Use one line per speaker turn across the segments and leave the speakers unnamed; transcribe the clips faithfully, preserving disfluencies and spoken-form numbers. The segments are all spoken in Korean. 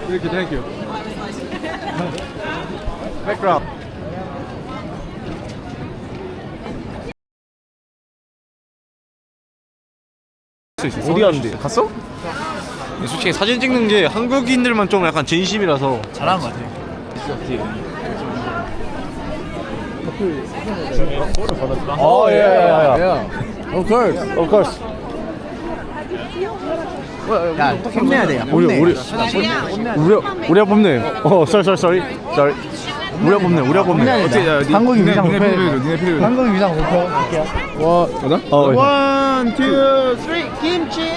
Thank you, thank you. Background.
어디 갔는데? 갔어? 솔직히 사진 찍는 게 한국인들만 좀 약간 진심이라서
잘하는 것 같아.
어, 예, 예, 예.
Yeah. Of course.
Of course.
야, 혼내야 돼. 야,
우리
혼내.
우리 우리 우리가 뽑네. 어, sorry, sorry, sorry. sorry. 우리가 뽑네. 우리가 뽑네.
어떻게 야, 한국인 위상 목표.
니네 필요해.
한국인 위상 목표. 할게요.
와, 맞아?
어,
One, two, three, 김치.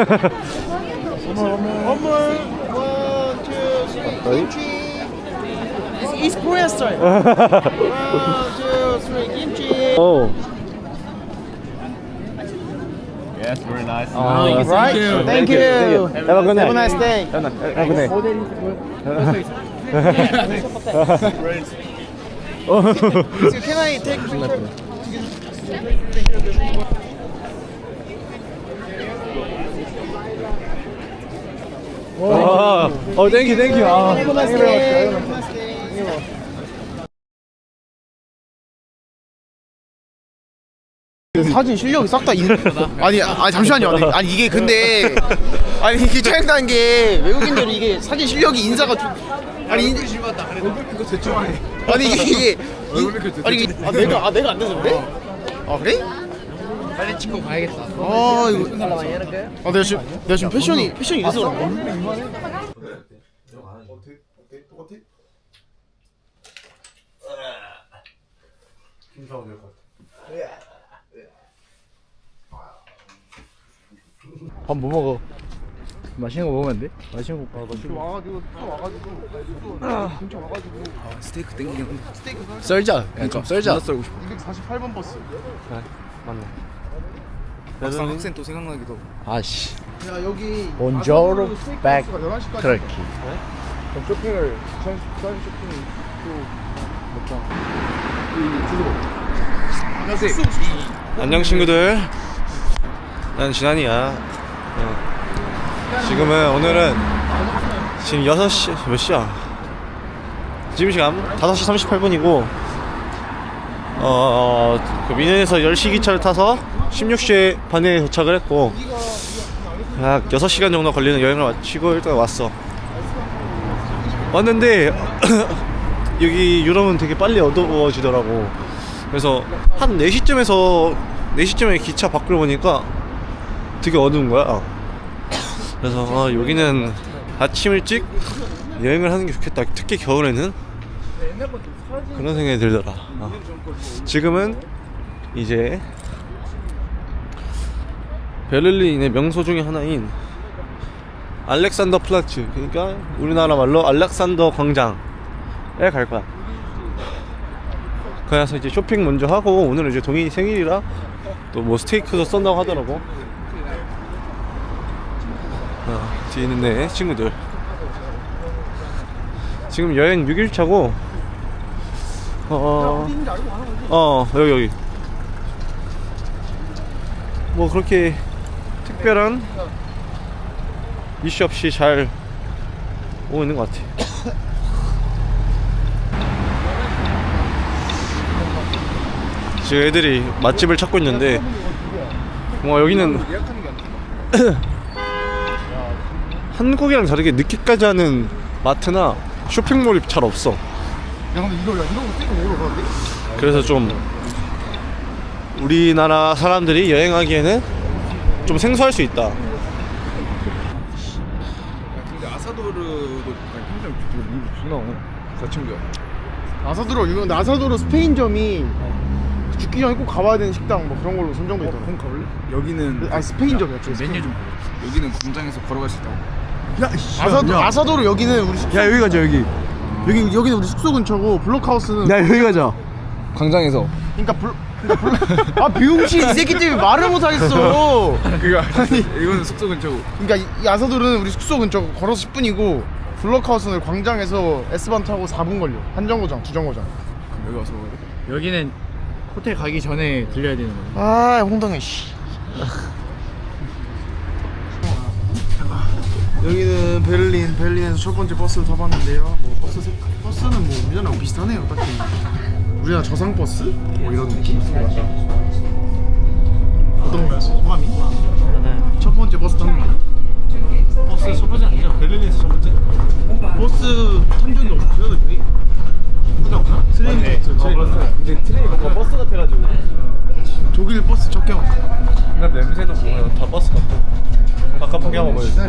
어물. One, two, three, 김치. It's Korean style. One, two, three, 김치.
어.
Yes, very nice.
어,
Right? Thank you.
Have a good night.
Have a nice day.
Have a good night.
So can I take picture?
어, 어, 땡큐, 땡큐. 아,
Have a nice day. Have a nice day. 사진 실력이 싹 다 있는 아니 아니 잠시만요. 아니, 아니 이게 근데 아니 이게 짜증난 게 외국인들이 이게 사진 실력이 인사가 좀 아니 인...
이거 대충 해.
아니 이게 이게
얼굴 밑에
이- 아니 이게 아 내가 아 내가 안 돼서 그래? 아 그래?
빨리 찍고 가야겠다.
아 이거 아 내가 지금 내가 지금 패션이 패션이 이래서 그런가?
밥 뭐 먹어?
맛있는 거 먹으면 안 돼? 맛있는 거 먹어.
와가지고 또 와가지고 진짜 와가지고
스테이크 땡기긴
스테이크 사
썰자. 그냥 좀 썰자.
썰고 싶어.
이백사십팔 번 버스.
맞네.
막상 학생 또 생각나기도.
아씨.
야 여기
Buongiorno, back
열한 시까지
트럭키.
그럼 쇼핑을 부산 부산 쇼핑 또 먹자. 야 숙소 숙소.
안녕 친구들. 난 진환이야. 어. 지금은 오늘은 지금 여섯 시 몇 시야? 지금 시간 다섯 시 삼십팔 분이고 어, 그 미넨에서 열 시 기차를 타서 십육 시 반에 도착을 했고 약 여섯 시간 정도 걸리는 여행을 마치고 일단 왔어. 왔는데 여기 유럽은 되게 빨리 어두워지더라고. 그래서 한 네 시쯤에서 네 시쯤에 기차 밖을 보니까 되게 어두운 거야. 그래서 아, 여기는 아침 일찍 여행을 하는 게 좋겠다. 특히 겨울에는 그런 생각이 들더라. 어. 지금은 이제 베를린의 명소 중에 하나인 알렉산더 플라츠, 그러니까 우리나라 말로 알렉산더 광장에 갈 거야. 그래서 이제 쇼핑 먼저 하고, 오늘은 이제 동인이 생일이라 또 뭐 스테이크도 쏜다고 하더라고. 어, 뒤에 있는 내 친구들. 지금 여행 육 일 차고 어, 어 여기 여기 뭐 그렇게 특별한 이슈 없이 잘 오고 있는 것 같아. 지금 애들이 맛집을 찾고 있는데 뭐 여기는 한국이랑 다르게 늦게까지 하는 마트나 쇼핑몰이 잘 없어.
야 근데 이거 야 이런 거 찍어 먹으러 가는데?
그래서 좀 우리나라 사람들이 여행하기에는 좀 생소할 수 있다.
근데 아사도르도 평생 존나 다 챙겨.
아사도르 유명. 아사도르 스페인점이 죽기 전에 꼭 가봐야 되는 식당 뭐 그런 걸로 선정돼 있더라고.
그럼 가볼래? 여기는
아니 스페인점이야.
메뉴 좀 보여. 여기는 공장에서 걸어갈 수 있다고.
야 아사도 아사도르 여기는 우리 숙소.
야 여기 가자 여기.
여기 여기는 우리 숙소 근처고 블록하우스는.
야 여기 가자.
광장에서.
그러니까 블 그러니까 블. 아 비용씨 이 새끼 때문에 말을 못 하겠어.
그거 아니 이거는 숙소 근처고.
그러니까 이, 이 아사도르는 우리 숙소 근처 걸어서 십 분이고 블록하우스는 광장에서 S번 타고 사 분 걸려. 한 정거장, 두 정거장.
그럼 여기 와서 먹어야 돼.
여기는 호텔 가기 전에 들려야 되는 거야.
아 홍당해 씨. 여기는 베를린, 베를린에서 첫 번째 버스를 타봤는데요. 뭐 버스 색, 버스는 뭐 우리나라랑 비슷하네요. 딱히 우리나라 저상 버스 뭐 이런 느낌. 어떤가요, 소감이? 첫 번째 버스 타는 거요?
버스 첫 번째 아니죠? 베를린에서 첫 번째?
버스 탄 적이 없어요, 저기. 없나? 트레인 버스. 트레인.
근데 트레인 뭔가 버스 같아가지고.
독일 버스 첫 경험.
근데 냄새도 보면 다 버스 같고. 바깥 풍경 한번 보여주세요.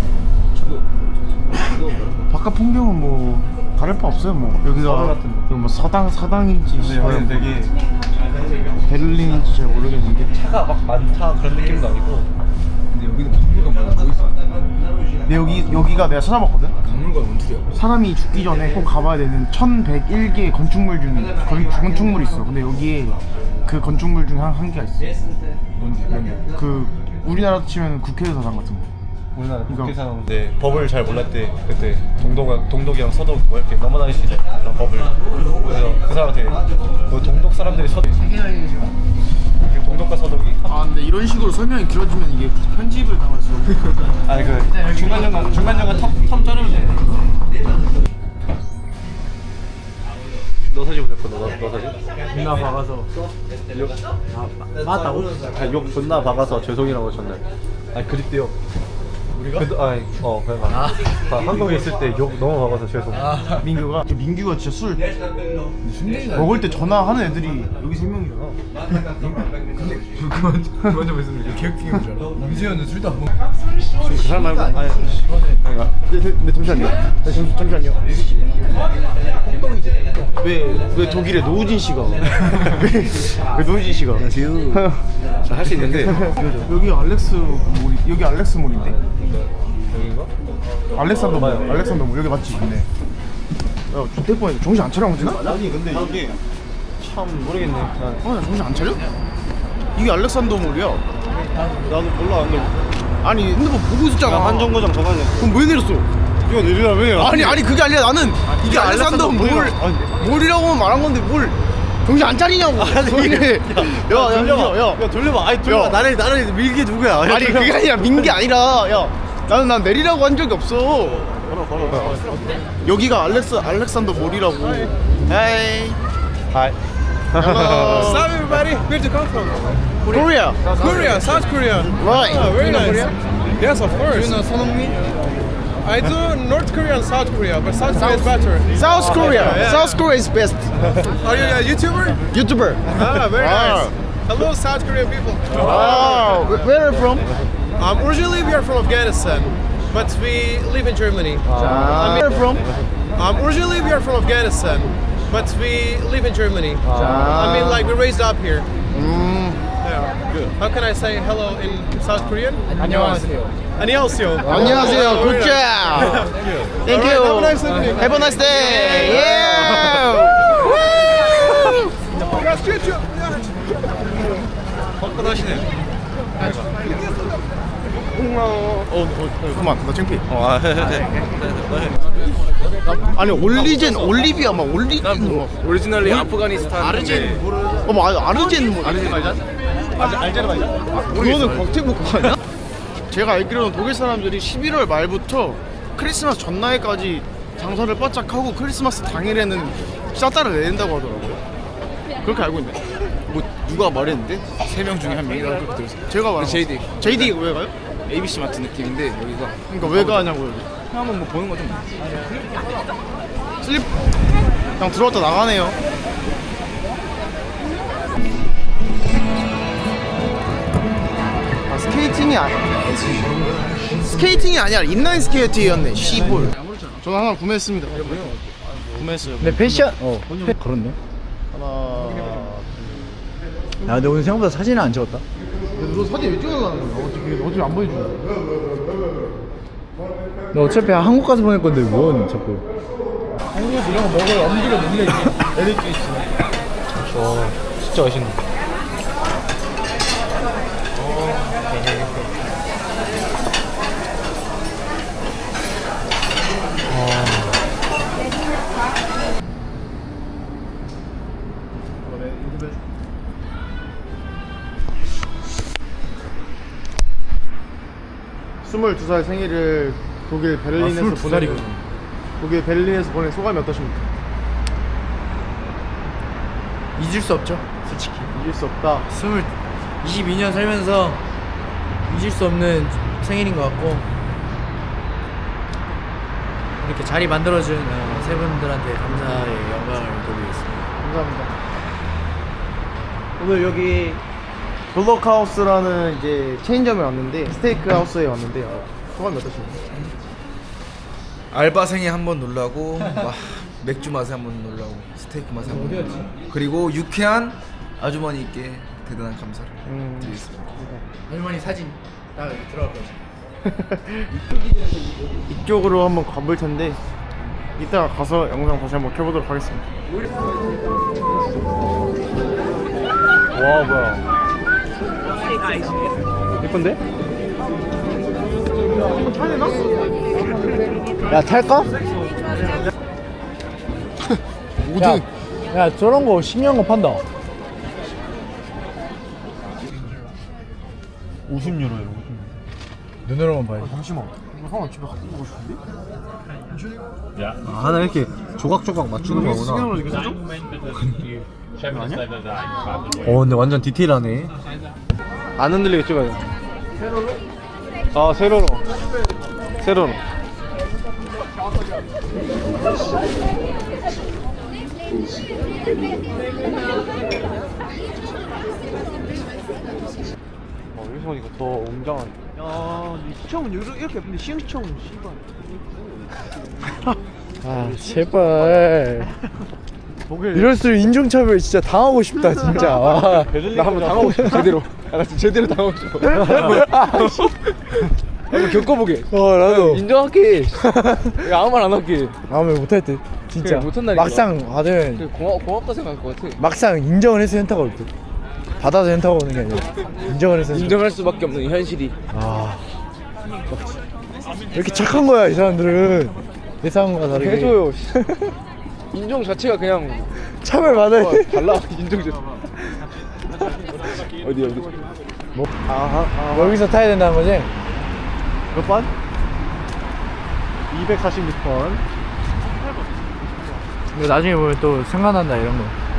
바깥 풍경은 뭐 다를 바 없어요. 뭐 여기가 여기 뭐 사당 사당인지
여기는 되게
베를린인지 잘 모르겠는데.
차가 막 많다 그런 느낌도 아니고.
근데 여기는 박물관 뭐뭐 있어?
근데 여기 여기가 내가 찾아봤거든.
박물관 원툴이야.
사람이 죽기 전에 꼭 가봐야 되는 천백일 개 건축물 중 건, 건축물이 있어. 근데 여기에 그 건축물 중 한 한 개가 있어.
뭔지 뭔지.
그 우리나라 치면 국회의사당 같은 거.
우리나라
이거.
국회 사람인데 법을 잘 몰랐 때 그때 동독 동독이랑 서독 뭐 이렇게 넘어다니시죠 그런 법을. 그래서 그 사람한테 그 동독 사람들이 서독 동독과 서독이
아 근데 이런 식으로 설명이 길어지면 이게 편집을 당할 수 없어.
아니 그 중간 중간 중간 중간 텀텀 자르면 돼. 너 사진 보낼 거너 너 사진?
존나 박아서 아 맞다고?
아, 욕 존나 박아서 죄송이라고 전날. 아니 그립대요. 우리가? 그, 아니 어 그래 아. 아, 한국에 있을 때 욕 너무 박아서 죄송. 아.
민규가 민규가 진짜 술 먹을 때 전화하는 애들이 여기 세 명이잖아.
근데 그만 그만 좀 했으면 이게 계획팅인 줄 알아. 임수현은 술도 안 먹어.
그 사람 말고 아니
근데, 근데 잠시만요. 네, 잠시, 잠시만요. 왜, 왜 독일에 노우진 씨가? 왜, 왜 노우진 씨가?
할 수 있는데
여기 알렉스 몰이, 여기 알렉스 몰인데?
여긴가?
알렉산더 몰,
맞아요.
알렉산더 몰 여기 맞지? 있네. 야, 저때 뻔 정신 안 차려 문제나?
아니 근데 이게 참 모르겠네. 난
어, 나 정신 안 차려? 이게 알렉산더 몰이야.
나도 몰라 근데
아니 핸드폰 보고 있었잖아.
한 정거장 저가네.
그럼 왜 내렸어?
이거 내리라 왜?
아니 아니 그게 아니라 나는 이게 알렉산더 몰 몰이라고 말한 건데 뭘 정신 안 차리냐고. 아니 야야
돌려봐.
야,
야 돌려봐. 아니 돌려봐.
야.
나를 나를 밀게 누구야? 야,
아니
돌려봐.
그게 아니라 민 게 아니라 야 나는 난 내리라고 한 적이 없어.
걸어 걸어.
여기가 알렉스 알렉산더 몰이라고. 헤이.
하이.
Hello.
Hello everybody, where do you come from?
Korea.
Korea, South Korea.
Right.
Oh, very nice. Yes, of course.
you know 손흥민?
I do North Korea and South Korea, but South Korea is better.
South Korea.
Yeah.
South Korea is best.
Are you a YouTuber?
YouTuber.
Ah, very
Wow.
nice. Hello, South Korean people.
Wow. Where are you from?
Um, originally we are from Afghanistan, but we live in Germany.
Uh, where are you from?
Um, originally we are from Afghanistan, but we live in Germany. I mean, like we raised up here.
음.
Yeah. Good. How can I say hello in South Korean?
안녕하세요.
안녕하세요.
안녕하세요. Good job. Thank you.
Have a nice evening.
Have a nice day. Yeah.
화끈하시네.
어, 어, 그만. 나 창피.
어, 아, 해, 해, 해.
아니 올리젠 올리비아 막 올리젠 뭐
오리지널리 아프가니스탄.
아르젠 어, 뭐 아- 아르젠 뭐 아르젠
알제르바이잔?
그거는 곽태국 아니야? 제가 알기로는 독일 사람들이 십일월 말부터 크리스마스 전날까지 장사를 바짝 하고 크리스마스 당일에는 샷다를 내린다고 하더라고요. 그렇게 알고 있네.
뭐 누가 말했는데 세 명 중에 한 명이 나올 그렇게 들었어.
제가 말한
제이디.
제이디 왜 가요?
에이비씨 마트 느낌인데 여기가
그러니까 왜 가냐고 여기.
한번 뭐 보는 거좀
슬립 그냥 들어왔다 나가네요. 아, 스케이팅이 아니 스케이팅이 아니라 인라인 스케이트였네. 시볼. 저는 하나 구매했습니다. 구매했어요.
근데 패션 어 그렇네.
하나.
야 근데 오늘 생각보다 사진을 안 찍었다.
너 사진 왜 찍어가는 거야? 어떻게 어차피 안 보여주냐?
너 어차피 한국 가서 보낼 건데 뭔 자꾸.
한국에서 이런 거 먹어야 엄지가 눌려있지. 에너지 있지.
와, 진짜 맛있네.
스물두 살 생일을 독일 베를린에서
스물두 살이구나.
보내는 독일 베를린에서 보낸 소감이 어떠십니까?
잊을 수 없죠, 솔직히.
잊을 수 없다.
스물 이십이 년 살면서 잊을 수 없는 생일인 것 같고, 이렇게 자리 만들어준 어, 세 분들한테 감사의 영광을 돌리겠습니다.
감사합니다. 오늘 여기 블록하우스라는 이제 체인점에 왔는데 스테이크 하우스에 왔는데 어, 소감이 어떠십니까?
알바생에 한번 놀라고 와, 맥주 맛에 한번 놀라고 스테이크 맛에 한번 놀라고 그리고 유쾌한 아주머니께 대단한 감사를
음.
드리겠습니다.
할머니 사진 딱 여기 들어갈 거지.
이쪽으로 한번 가볼 텐데 이따가 가서 영상 다시 한번 켜보도록 하겠습니다.
와 뭐야 예쁜데?
야 탈까? 야, 야 저런 거 신기한 거 판다. 오십 유로예요.
눈으로만 봐야지.
잠시만. 이거 하나 집에 갖고 오고 싶은데?
아, 하나 이렇게 조각조각 맞추는 거구나.
이거 사줘?
어 근데 완전 디테일하네. 안 흔들리게 찍어야 돼. 세로로? 아 세로로. 세로로. 어 여기서 보니까 더 웅장한.
야, 시청은 이렇게 예쁜데 시흥시청은 씨발.
아 제발. 이럴수록 인종차별 진짜 당하고 싶다 진짜. 와.
나 한번 당하고 싶어 제대로. 야, 나 진짜 제대로 당하고 싶어. 한번 겪어보게.
어 나도.
인정할게. 야, 아무 말 안 할게.
다음에 못할 듯. 진짜.
그래, 못한다니까.
막상 받으면
고마, 고맙다 생각할 것 같아.
막상 인정을 해서 현타가 올 듯. 받아서 현타가 오는 게 아니라 인정을 해서. 현타.
인정할 수밖에 없는 현실이.
아. 왜 이렇게 착한 거야 이 사람들은. 예상과 다르게.
해줘요. 인정 자체가 그냥
차별 받아야 돼.
달라. 인정 자체. 어디 어디?
뭐? 아, 아, 여기서 타야 된다는 거지?
몇 번? 이백사십육 번.
이거 나중에 보면 또 생각난다 이런 거.